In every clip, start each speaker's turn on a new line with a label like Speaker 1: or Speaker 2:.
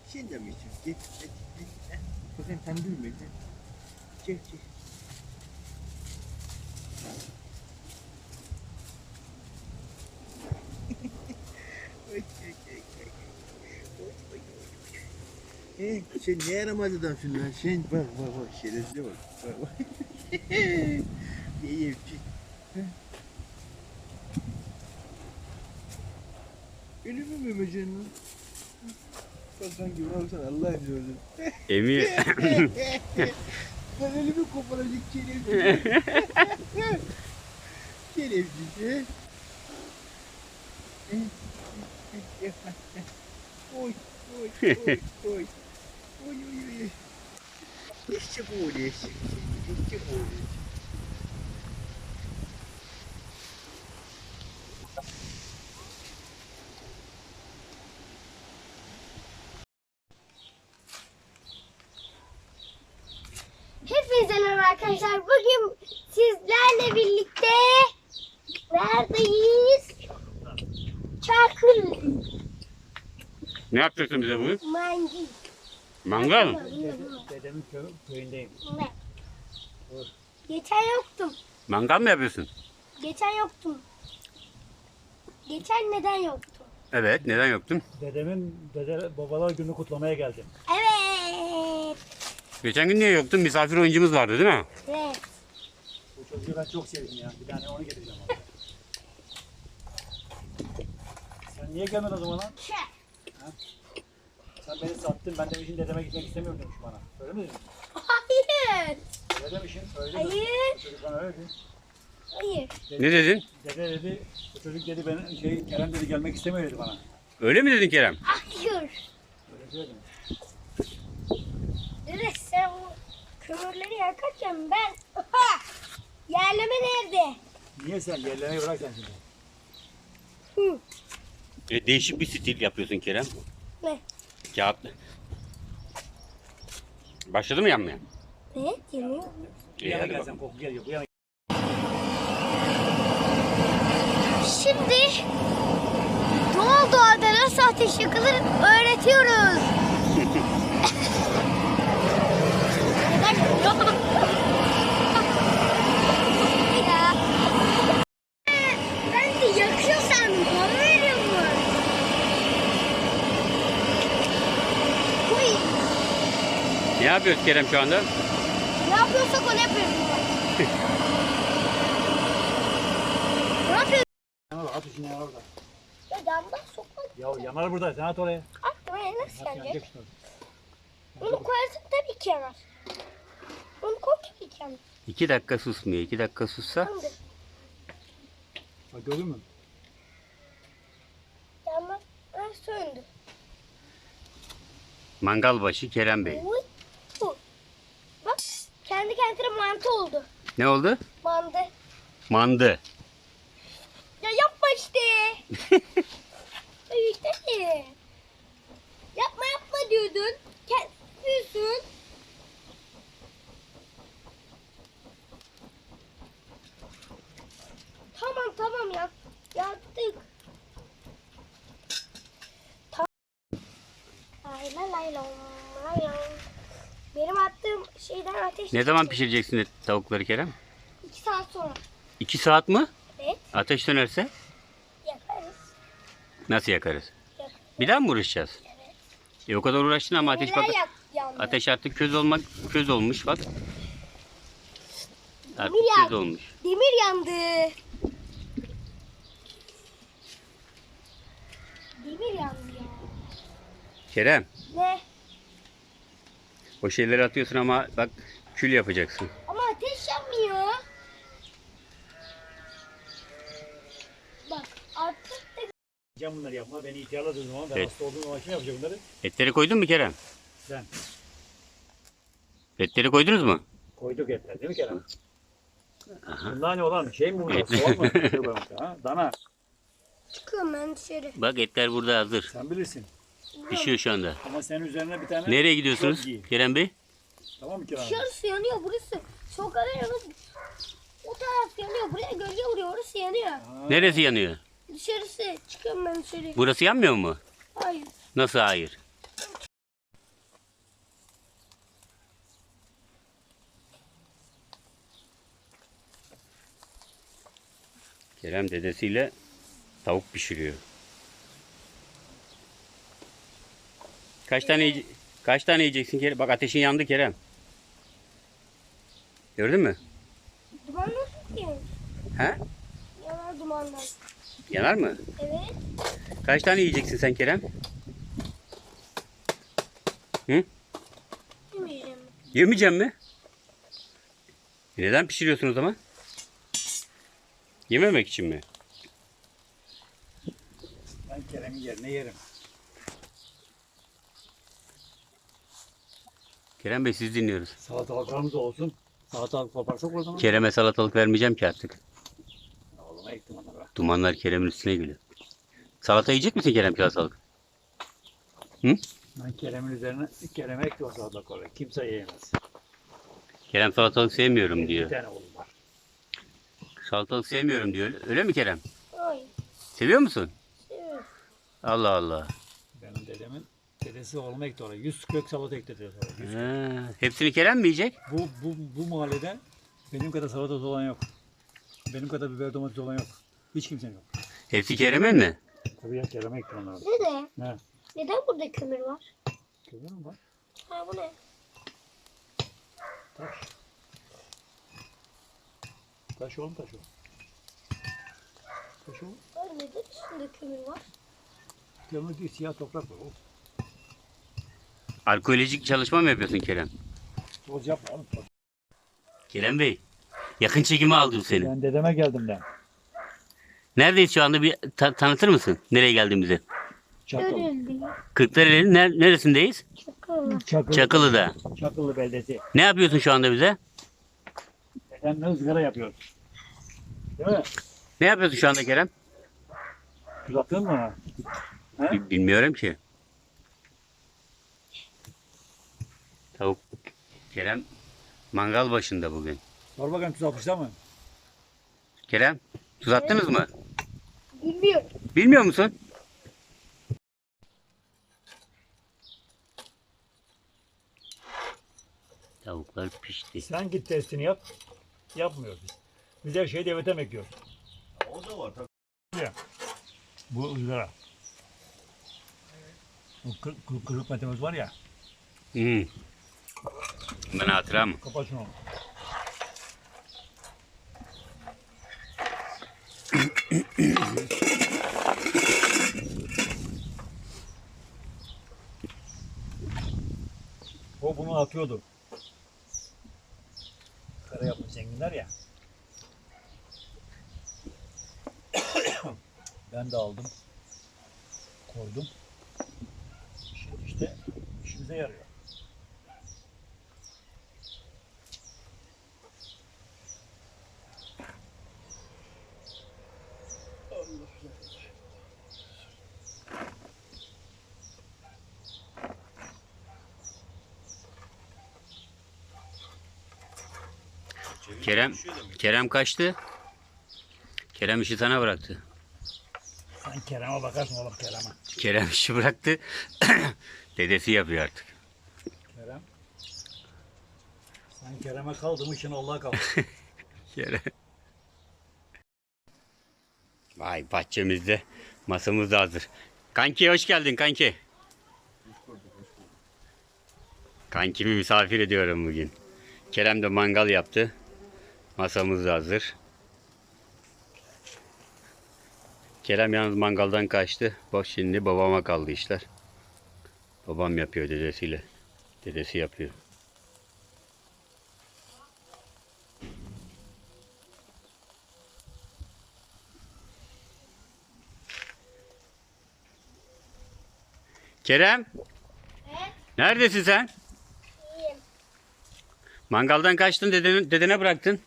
Speaker 1: Sen de mi içiyorsun? Git. Bakın sen büyüme. Çek. Sen ne yaramaz adamsın lan sen? Bak şerefsize bak. İyi yapacak. Ölümü mü memecen lan? Kalkan gibi olsan Allah ediyorsun.
Speaker 2: Emir.
Speaker 1: Ben ölümü koparacak şerefsiz. Şerefsiz. Oy. İşte bu oluyor. İşte bu oluyor.
Speaker 3: Hepinize merhaba arkadaşlar. Bugün sizlerle birlikte neredeyiz? Çakır
Speaker 2: Ne yapacaksın bize bugün?
Speaker 3: Mangi.
Speaker 2: Mangal mı?
Speaker 1: Dedemin köyündeyim.
Speaker 3: Ne? Geçen yoktum.
Speaker 2: Mangal mı yapıyorsun?
Speaker 3: Geçen neden yoktum?
Speaker 2: Evet. Neden yoktun?
Speaker 4: Dede babalar günü kutlamaya geldim.
Speaker 3: Evet.
Speaker 2: Geçen gün niye yoktun? Misafir oyuncumuz vardı değil mi?
Speaker 3: Evet.
Speaker 4: Bu çocuğu ben çok sevdim ya. Bir tane onu getireceğim abi. Sen niye gelmedin o zaman lan? Sen beni sattın. Ben demişim dedeme gitmek istemiyorum demiş bana. Öyle mi dedin?
Speaker 3: Hayır.
Speaker 4: Öyle demişim. Öyle
Speaker 3: Hayır.
Speaker 4: dedim. Bu çocuk bana öyle dedi.
Speaker 3: Hayır.
Speaker 2: Ne dedin?
Speaker 4: Dede dedi, bu çocuk dedi ben Kerem dedi gelmek istemiyor dedi bana.
Speaker 2: Öyle mi dedin Kerem?
Speaker 3: Hayır.
Speaker 4: Öyle söyledim.
Speaker 3: Dede sen o kömürleri yakarken ben yerleme nerede?
Speaker 4: Niye sen yerlerine bırak sen şimdi?
Speaker 3: Hı.
Speaker 2: Değişik bir stil yapıyorsun Kerem.
Speaker 3: Ne?
Speaker 2: Kağıt. Başladı mı yanmaya?
Speaker 3: Ne? Yanıyor.
Speaker 4: Bu yana
Speaker 2: Hadi
Speaker 4: gel
Speaker 2: bakalım.
Speaker 4: sen koku geliyor. Bu yana
Speaker 3: Şimdi doğada nasıl ateş yakılır öğretiyoruz. Ya. Ben de yakıyor sandım. Bana veriyor mu? Uy.
Speaker 2: Ne yapıyoruz Kerem şu anda?
Speaker 3: Ne yapıyorsak onu yapıyoruz. Ne yapıyoruz?
Speaker 4: yanar at işini yanar orada.
Speaker 3: Ya damdan sokmak.
Speaker 4: Ya yanar burada sen at oraya.
Speaker 3: Buraya nasıl
Speaker 4: At
Speaker 3: gelecek?
Speaker 4: yanacak işte.
Speaker 3: Onu koyarsak tabii ki yanar. Onu koy tabii ki yanar.
Speaker 2: 2 dakika susmuyor. 2 dakika sussa.
Speaker 3: Şimdi
Speaker 4: Bak gördün mü?
Speaker 3: yanma söndü.
Speaker 2: Mangal başı Kerem Bey.
Speaker 3: Uy, bu. Bak kendi kendine mantı oldu.
Speaker 2: Ne oldu?
Speaker 3: Mantı.
Speaker 2: Mandı.
Speaker 3: Ya yapma işte. İşte. Yapma diyordun. Yapıyorsun. Tamam ya. Yaptık. Lay lay. Benim attığım şeyden ateş
Speaker 2: Ne zaman
Speaker 3: çıktı.
Speaker 2: pişireceksin tavukları Kerem?
Speaker 3: 2 saat sonra.
Speaker 2: 2 saat mi?
Speaker 3: Evet.
Speaker 2: Ateş dönerse
Speaker 3: Yaparız.
Speaker 2: nasıl yakarız?
Speaker 3: Yakarız.
Speaker 2: Bir daha mı uğraşacağız? O kadar uğraştın ama ateş bak.
Speaker 3: Yandı.
Speaker 2: Ateş artık köz olmuş bak. Artık
Speaker 3: Demir
Speaker 2: köz
Speaker 3: yandı.
Speaker 2: olmuş.
Speaker 3: Demir yandı. Demir yandı ya.
Speaker 2: Kerem,
Speaker 3: Ne?
Speaker 2: o şeyleri atıyorsun ama bak kül yapacaksın.
Speaker 3: Ama ateş yanmıyor. Bak artık da
Speaker 4: Can bunları yapma. Beni ihtiyarladığın zaman ben
Speaker 2: Evet.
Speaker 4: hasta olduğum zaman kim yapacak bunları?
Speaker 2: Etleri koydun mu Kerem?
Speaker 4: Sen.
Speaker 2: Etleri koydunuz mu?
Speaker 4: Koyduk etler değil mi Kerem? Bunlar ne olan şey mi bunlar? Soğan mı? Ha? Dana.
Speaker 3: çıkıyorum ben dışarı.
Speaker 2: Bak etler burada hazır.
Speaker 4: Sen bilirsin.
Speaker 2: Pişiyor şu anda.
Speaker 4: Ama senin üzerine bir tane...
Speaker 2: Nereye gidiyorsunuz
Speaker 4: Çok iyi.
Speaker 2: Kerem Bey?
Speaker 4: Tamam mı Kerem?
Speaker 3: Dışarısı yanıyor burası. Sokağın yanıyor. O taraf yanıyor. Buraya gölge vuruyor. Orası yanıyor.
Speaker 2: Neresi yanıyor?
Speaker 3: Dışarısı. Çıkıyorum ben dışarı.
Speaker 2: Burası yanmıyor mu?
Speaker 3: Hayır.
Speaker 2: Nasıl hayır? Kerem dedesiyle tavuk pişiriyor. Kaç tane yiyeceksin Kerem? Bak ateşin yandı Kerem. Gördün mü?
Speaker 3: Duman nasıl ki?
Speaker 2: He?
Speaker 3: Yanar dumandan.
Speaker 2: Yanar mı?
Speaker 3: Evet.
Speaker 2: Kaç tane yiyeceksin sen Kerem? Hı?
Speaker 3: Yemeyeceğim.
Speaker 2: Yemeyeceğim mi? Neden pişiriyorsun o zaman? Yememek için mi?
Speaker 4: Ben Kerem'in yerine yerim.
Speaker 2: Kerem Bey siz dinliyoruz.
Speaker 4: Salatalıklarımız da olsun. Salatalık koparsak o zaman.
Speaker 2: Kerem'e salatalık vermeyeceğim ki artık.
Speaker 4: Oğluma ektim onları.
Speaker 2: Dumanlar Kerem'in üstüne geliyor. Salata yiyecek misin Kerem salatalık?
Speaker 4: Ben Kerem'in üzerine Kerem'e ektim o salatalıkları. Kimse yiyemez.
Speaker 2: Kerem salatalık sevmiyorum
Speaker 4: Bir
Speaker 2: diyor.
Speaker 4: tane oğlum var.
Speaker 2: Salatalık sevmiyorum diyor. Öyle mi Kerem?
Speaker 3: Hayır.
Speaker 2: Seviyor musun?
Speaker 3: Evet.
Speaker 2: Allah Allah.
Speaker 4: Benim dedesi oğluma ekti oraya. 100 kök salata ekledi. 100.
Speaker 2: Hepsini Kerem mi yiyecek?
Speaker 4: Bu mahallede benim kadar salatası olan yok. Benim kadar biber domates olan yok. Hiç kimsenin yok.
Speaker 2: Hepsi Kerem'in mi?
Speaker 4: Tabii ya Kerem'e ektim onları.
Speaker 3: Dede.
Speaker 4: Ne?
Speaker 3: Neden burada kömür var?
Speaker 4: Görüyor musun bak?
Speaker 3: Ha bu ne?
Speaker 4: Taş. Taş oğlum taş o. Taş o.
Speaker 3: Ay neden üstünde kömür var?
Speaker 4: Kömür değil siyah toprak var o.
Speaker 2: Arkeolojik çalışma mı yapıyorsun Kerem?
Speaker 4: Toz yapma oğlum. Toz.
Speaker 2: Kerem Bey, yakın çekimi aldım seni.
Speaker 4: Ben dedeme geldim ben.
Speaker 2: Neredeyiz şu anda bir tanıtır mısın? Nereye geldiğimizi?
Speaker 4: Çakıl.
Speaker 3: Görüldü.
Speaker 2: Kırklareli'nin neresindeyiz?
Speaker 3: Çakıl.
Speaker 2: Çakılı'da.
Speaker 4: Çakıllı beldesi.
Speaker 2: Ne yapıyorsun şu anda bize?
Speaker 4: Dedemle ızgara yapıyoruz. Değil mi?
Speaker 2: Ne yapıyorsun şu anda Kerem?
Speaker 4: Uzattın mı? He?
Speaker 2: Bilmiyorum ki. Tavuk. Kerem mangal başında bugün.
Speaker 4: Sor bakayım tuz atmışlar mı?
Speaker 2: Kerem, tuz attınız mı?
Speaker 3: Bilmiyorum.
Speaker 2: Bilmiyor musun? Tavuklar pişti.
Speaker 4: Sen git testini yap. Yapmıyoruz biz. Biz her şeyi devlete bekliyoruz.
Speaker 1: O da var tabii.
Speaker 4: Ya. Bu ızgara. Bu kırık metemiz var ya.
Speaker 2: Ben hatıra mı?
Speaker 4: Kapat şunu. O bunu atıyordu. Kara yapmış zenginler ya. Ben de aldım. Koydum. Şimdi işte işimize yarıyor.
Speaker 2: Kerem kaçtı. Kerem işi sana bıraktı.
Speaker 4: Sen Kerem'e bakarsın oğlum Kerem'e.
Speaker 2: Kerem işi bıraktı. Dedesi yapıyor artık.
Speaker 4: Kerem. Sen Kerem'e kaldın için Allah'a kaldın.
Speaker 2: Kerem. Vay bahçemizde masamız da hazır. Kanki hoş geldin kanki. Kankimi misafir ediyorum bugün. Kerem de mangal yaptı. Masamız da hazır. Kerem yalnız mangaldan kaçtı. Bak şimdi babama kaldı işler. Babam yapıyor dedesiyle. Dedesi yapıyor. Kerem. Neredesin sen?
Speaker 3: İyiyim.
Speaker 2: Mangaldan kaçtın, dedene bıraktın.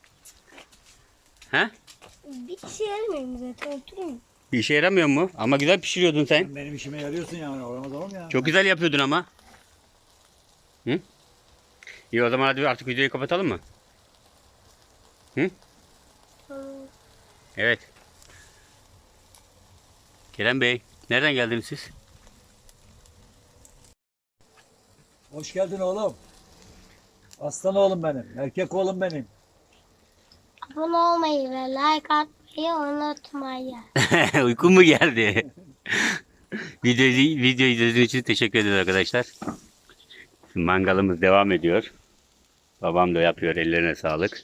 Speaker 2: He?
Speaker 3: Bir şey yaramıyorum zaten oturayım.
Speaker 2: Bir işe yaramıyor mu? Ama güzel pişiriyordun sen.
Speaker 4: Sen benim işime yarıyorsun yani. Olamaz oğlum ya.
Speaker 2: Çok güzel yapıyordun ama. Hı? İyi o zaman hadi artık videoyu kapatalım mı? Hı? Evet. Kerem Bey, nereden geldiniz siz?
Speaker 4: Hoş geldin oğlum. Aslan oğlum benim. Erkek oğlum benim.
Speaker 3: Abone olmayı ve like atmayı Ya unutmayın.
Speaker 2: Uykun mu geldi? Video izlediğiniz için teşekkür ederiz arkadaşlar. Mangalımız devam ediyor. Babam da yapıyor. Ellerine sağlık.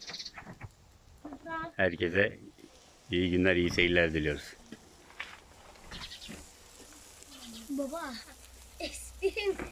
Speaker 2: Herkese iyi günler, iyi seyirler diliyoruz.
Speaker 3: Baba. Esprim.